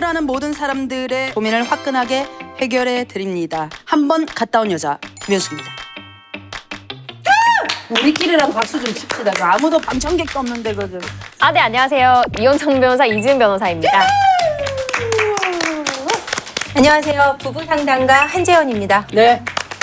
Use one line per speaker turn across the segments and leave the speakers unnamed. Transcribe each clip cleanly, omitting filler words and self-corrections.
고민하는 모든 사람들의 고민을 화끈하게 해결해 드립니다. 한 번 갔다 온 여자 김현숙입니다. 우리끼리라도 박수 좀 칩시다. 아무도 방청객도 없는데 그들.
네, 안녕하세요. 이혼청 변호사 이지은 변호사입니다.
안녕하세요. 부부 상담가 한재원입니다.
네.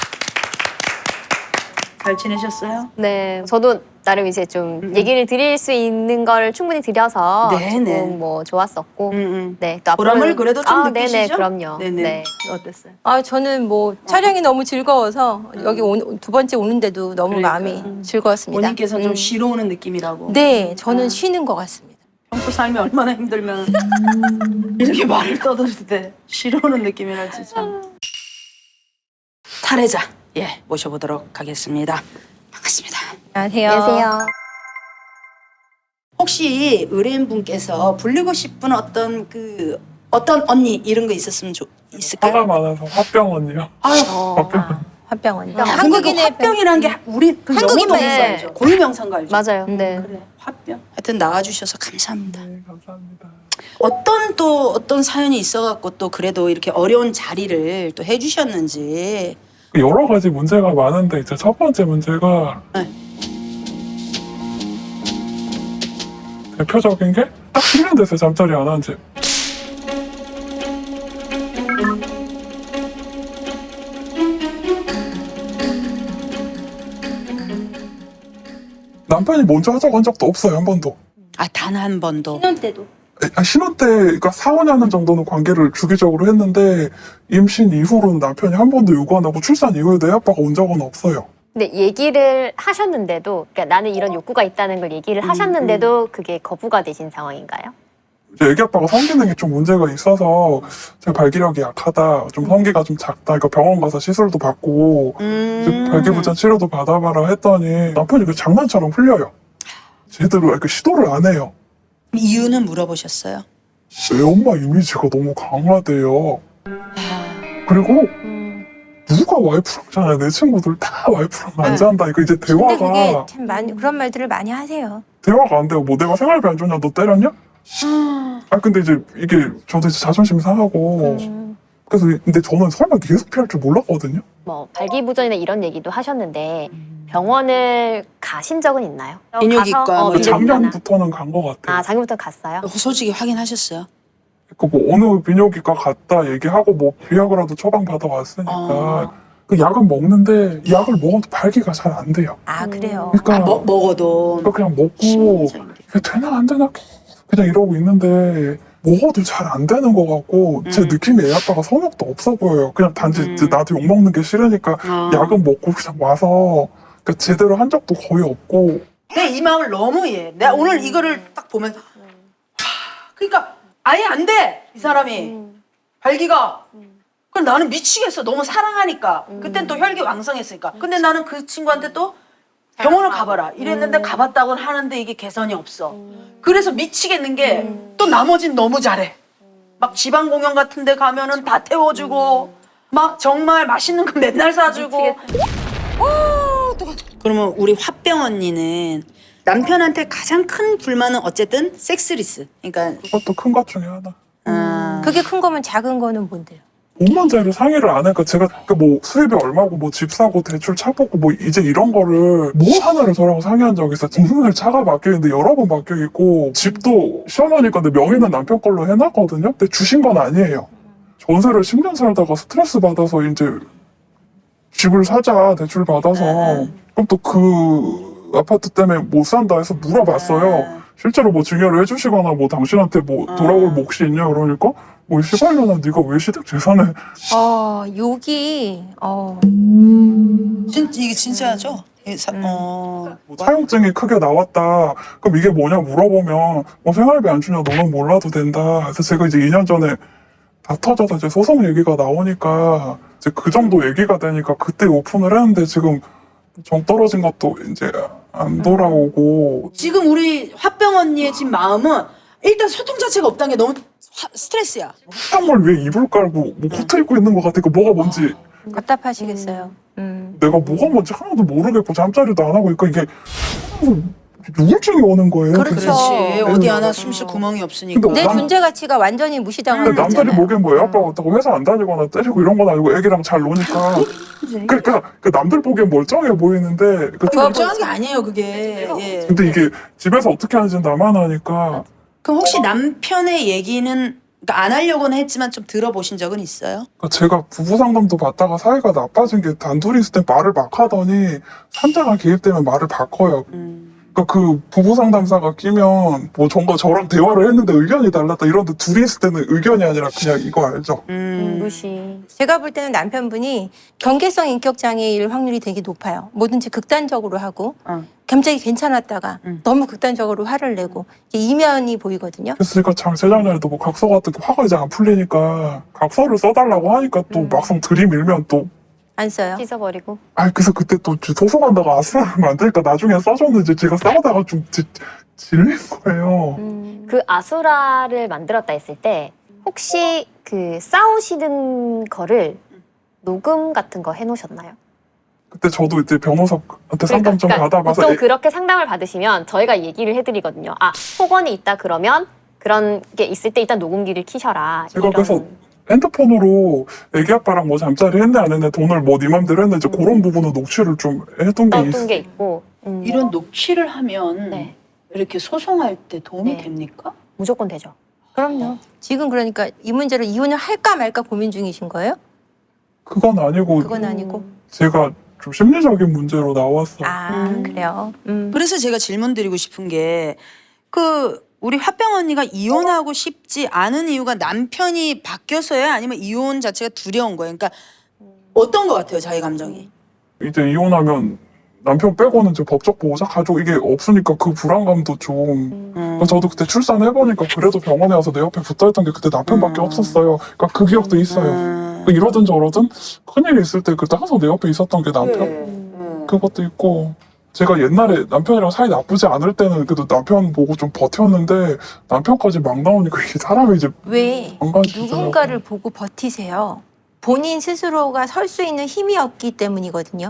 잘 지내셨어요?
네, 저도 나름 이제 좀 얘기를 드릴 수 있는 걸 충분히 드려서
네네.
조금 뭐 좋았었고, 네, 또
보람을 그래도 좀
네네,
느끼시죠?
그럼요.
네네.
네.
어땠어요?
저는 뭐 촬영이 너무 즐거워서 여기 두 번째 오는데도 너무
그러니까.
마음이 즐거웠습니다.
본인께서 좀 쉬러 오는 느낌이라고.
네, 저는 쉬는 것 같습니다.
평소 삶이 얼마나 힘들면 이렇게 말을 떠들 때 쉬러 오는 느낌이랄지 참. 탈애자 모셔보도록 하겠습니다. 반갑습니다.
안녕하세요.
혹시 의뢰인분께서 불리고 싶은 어떤 언니 이런 거 있을까요?
화가 많아서 화병 언니요.
화병원이요.
한국인의 화병이라는 게 우리 그
한국인만
영어
있어요.
알죠? 고유명사가 알죠?
맞아요. 네.
그래 화병. 하여튼 나와주셔서 감사합니다.
네, 감사합니다.
어떤 사연이 있어갖고 또 그래도 이렇게 어려운 자리를 또 해주셨는지.
여러 가지 문제가 많은데 이제 첫 번째 문제가
네.
대표적인 게 딱 10년 됐어요. 잠자리 안 한 지. 남편이 먼저 하자고 한 적도 없어요. 한 번도.
단 한 번도.
신혼 때도.
신혼 때, 그러니까 4, 5년 정도는 관계를 주기적으로 했는데 임신 이후로는 남편이 한 번도 요구 안 하고 출산 이후에도 애 아빠가 온 적은 없어요.
근데 얘기를 하셨는데도, 그러니까 나는 이런 욕구가 있다는 걸 얘기를 하셨는데도 그게 거부가 되신 상황인가요?
이제 애기 아빠가 성기능이 좀 문제가 있어서 제가 발기력이 약하다, 좀 성기가 좀 작다, 그러니까 병원 가서 시술도 받고 이제 발기부전 치료도 받아봐라 했더니 남편이 그 장난처럼 흘려요. 제대로 이렇게 시도를 안 해요.
이유는 물어보셨어요?
애 엄마 이미지가 너무 강하대요. 그리고 누가 와이프랑 자냐, 내 친구들 다 와이프랑 안 잔다. 이거 이제
근데 그게
대화가
참 그런 말들을 많이 하세요.
대화가 안 돼요. 뭐 내가 생활비 안 줬냐, 너 때렸냐? 근데 이제 이게 저도 이제 자존심 상하고 그래서 근데 저는 설마 계속 피할 줄 몰랐거든요.
뭐 발기부전이나 이런 얘기도 하셨는데 병원을 가신 적은 있나요?
비뇨기과 뭐
비뇨기과나.
작년부터는 간 것 같아요.
작년부터 갔어요?
솔직히 확인하셨어요?
뭐 어느 비뇨기과 갔다 얘기하고 뭐 비약이라도 처방 받아왔으니까 그 약은 먹는데 약을 먹어도 발기가 잘 안 돼요.
그래요.
그러니까
먹어도
그냥 먹고 이게 되나 안 되나 그냥 이러고 있는데 먹어도 잘 안 되는 것 같고 제 느낌이 애 아빠가 성욕도 없어 보여요. 그냥 단지 이제 나한테 욕 먹는 게 싫으니까 약은 먹고 그냥 와서 그러니까 제대로 한 적도 거의 없고.
내 이 마음을 너무 이해해. 내가 오늘 이거를 딱 보면 그러니까 아예 안 돼! 이 사람이. 발기가. 그럼 나는 미치겠어. 너무 사랑하니까. 그땐 또 혈기 왕성했으니까. 근데 나는 그 친구한테 또 병원을 가봐라. 이랬는데 가봤다고는 하는데 이게 개선이 없어. 그래서 미치겠는 게 또 나머진 너무 잘해. 막 지방 공연 같은 데 가면은 다 태워주고 막 정말 맛있는 거 맨날 사주고. 그러면 우리 화병 언니는 남편한테 가장 큰 불만은 어쨌든 섹스리스. 그러니까
그것도 큰 것 중에 하나.
그게 큰 거면 작은 거는 뭔데요?
돈 문제를 상의를 안 하니까 제가 뭐 수입이 얼마고 뭐 집 사고 대출 차 뽑고 뭐 이제 이런 거를 뭐 하나를 저랑 상의한 적이 있어요. 돈을 차가 바뀌었는데 여러 번 바뀌어 있고 집도 시어머니 건데 명의는 남편 걸로 해놨거든요. 근데 주신 건 아니에요. 전세를 10년 살다가 스트레스 받아서 이제 집을 사자 대출 받아서 그럼 또 그 아파트 때문에 못 산다 해서 물어봤어요. 실제로 뭐 증여를 해주시거나 뭐 당신한테 뭐 돌아올 몫이 있냐 그러니까 뭐 시발년아 네가 왜 시댁 재산을
욕이
이게 진짜죠?
사용증이 크게 나왔다. 그럼 이게 뭐냐 물어보면 뭐 생활비 안 주냐 너는 몰라도 된다. 그래서 제가 이제 2년 전에 다 터져서 이제 소송 얘기가 나오니까 이제 그 정도 얘기가 되니까 그때 오픈을 했는데 지금 정 떨어진 것도 이제 안 돌아오고.
지금 우리 화병 언니의 지금 마음은 일단 소통 자체가 없다는 게 너무 스트레스야.
화장물 위에 이불 깔고 뭐 코트 입고 있는 것 같으니까 뭐가 뭔지
답답하시겠어요.
내가 뭐가 뭔지 하나도 모르겠고 잠자리도 안 하고 그러니까 이게 우울증이 오는 거예요.
그렇죠.
그렇지. 어디
네.
하나 숨 쉴 구멍이 없으니까.
근데
내
남-
존재 가치가 완전히 무시당하는
근데 남들이
거잖아요.
보기엔 뭐 애 아빠가 어떻고 회사 안 다니거나 때리고 이런 건 아니고 애기랑 잘 노니까 그러니까 그 남들 보기엔 멀쩡해 보이는데 그
멀쩡한 게 아니에요, 그게. 예.
근데 이게 집에서 어떻게 하는지는 나만 하니까
그럼 혹시 남편의 얘기는 그러니까 안 하려고는 했지만 좀 들어보신 적은 있어요?
그러니까 제가 부부 상담도 받다가 사이가 나빠진 게 단둘이 있을 때 말을 막 하더니 삼자가 개입되면 말을 바꿔요. 그러니까 그 부부 상담사가 끼면 뭐 전과 저랑 대화를 했는데 의견이 달랐다 이런데 둘이 있을 때는 의견이 아니라 그냥 이거 알죠?
무시.
제가 볼 때는 남편분이 경계성 인격 장애일 확률이 되게 높아요. 뭐든지 극단적으로 하고 갑자기 괜찮았다가 너무 극단적으로 화를 내고 이게 이면이 보이거든요.
그러니까 재작년에도 뭐 각서 같은 거 화가 이제 안 풀리니까 각서를 써달라고 하니까 또 막상 들이밀면 또
안 써요.
찢어버리고.
그래서 그때 또 소송한다고 아스라를 만드니까 나중에 써줬는데 제가 싸우다가 좀 질린 거예요.
그 아수라를 만들었다 했을 때 혹시 그 싸우시는 거를 녹음 같은 거 해놓으셨나요?
그때 저도 이제 변호사한테 상담 좀 받아봐서
보통 그렇게 상담을 받으시면 저희가 얘기를 해드리거든요. 아, 폭언이 있다 그러면 그런 게 있을 때 일단 녹음기를 키셔라.
제가 그래서 핸드폰으로 애기 아빠랑 뭐 잠자리 했네 안 했네 돈을 뭐 네 맘대로 했네 이제 그런 부분은 녹취를 좀 해둔 게
어떤 게 있고
이런 녹취를 하면
네.
이렇게 소송할 때 도움이
네.
됩니까?
무조건 되죠.
그럼요. 지금 그러니까 이 문제로 이혼을 할까 말까 고민 중이신 거예요?
그건 아니고
그건 아니고.
제가 좀 심리적인 문제로 나왔어요.
그래요.
그래서 제가 질문 드리고 싶은 게 우리 화병 언니가 이혼하고 싶지 않은 이유가 남편이 바뀌어서야 아니면 이혼 자체가 두려운 거예요? 그러니까 어떤 것 같아요, 자기 감정이?
이제 이혼하면 남편 빼고는 이제 법적 보호자 가족 이게 없으니까 그 불안감도 좀 그러니까 저도 그때 출산해보니까 그래도 병원에 와서 내 옆에 붙어있던 게 그때 남편밖에 없었어요. 그러니까 그 기억도 있어요. 그러니까 이러든 저러든 큰일이 있을 때 그때 항상 내 옆에 있었던 게 남편 그것도 있고 제가 옛날에 남편이랑 사이 나쁘지 않을 때는 그래도 남편 보고 좀 버텼는데 남편까지 막 나오니까 이게 사람이 이제
왜
망가지더라고요.
누군가를 보고 버티세요? 본인 스스로가 설 수 있는 힘이 없기 때문이거든요.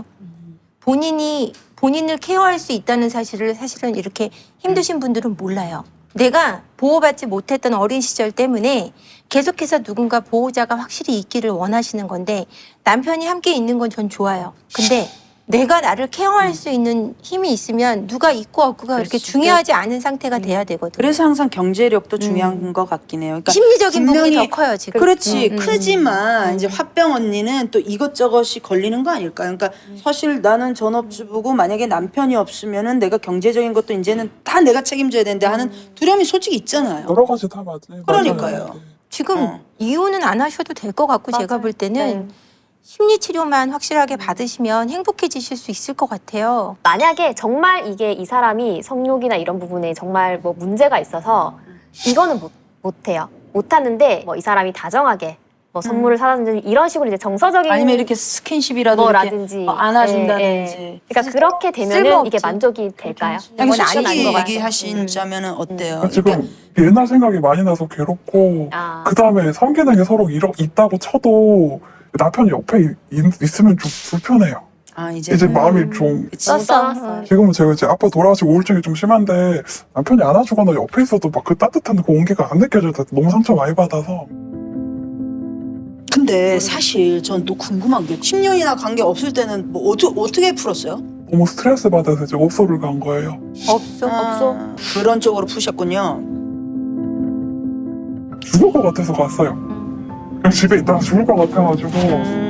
본인이 본인을 케어할 수 있다는 사실을 사실은 이렇게 힘드신 분들은 몰라요. 내가 보호받지 못했던 어린 시절 때문에 계속해서 누군가 보호자가 확실히 있기를 원하시는 건데 남편이 함께 있는 건 전 좋아요. 근데 내가 나를 케어할 수 있는 힘이 있으면 누가 있고 없고가 그렇게 중요하지 않은 상태가 돼야 되거든요.
그래서 항상 경제력도 중요한 것 같긴 해요. 그러니까
심리적인 부분이
분명히
더 커요 지금.
그렇지 크지만 이제 화병 언니는 또 이것저것이 걸리는 거 아닐까요? 그러니까 사실 나는 전업주부고 만약에 남편이 없으면은 내가 경제적인 것도 이제는 다 내가 책임져야 되는데 하는 두려움이 솔직히 있잖아요.
여러 가지 다 맞아요.
그러니까요.
지금 이혼은 안 하셔도 될 것 같고 제가 볼 때는 심리 치료만 확실하게 받으시면 행복해지실 수 있을 것 같아요.
만약에 정말 이게 이 사람이 성욕이나 이런 부분에 정말 뭐 문제가 있어서 이거는 못해요. 못하는데 뭐 이 사람이 다정하게 뭐 선물을 사다든지 이런 식으로 이제 정서적인
아니면 이렇게 스킨십이라도
뭐라든지
이렇게 안아준다든지.
예, 예. 그러니까 그렇게 되면은
쓸모없지.
이게 만족이 될까요?
그냥
그건 아닌
솔직히
것 같아요.
얘기하신다면은 어때요?
그러니까 지금 옛날 생각이 많이 나서 괴롭고
아.
그 다음에 성기능이 서로 있다고 쳐도 남편이 옆에 있으면 좀 불편해요. 이제 마음이 좀
썼어.
지금은 제가 이제 아빠 돌아가시고 우울증이 좀 심한데 남편이 안아주거나 옆에 있어도 막 그 따뜻한 그 온기가 안 느껴져요. 너무 상처 많이 받아서.
근데 사실 전 또 궁금한 게 10년이나 관계 없을 때는 뭐 어떻게 풀었어요?
너무 스트레스 받아서 이제 옵소를 간 거예요.
없어.
그런 쪽으로 푸셨군요.
죽을 것 같아서 갔어요. 그냥 집에 있다가 죽을 것 같아가지고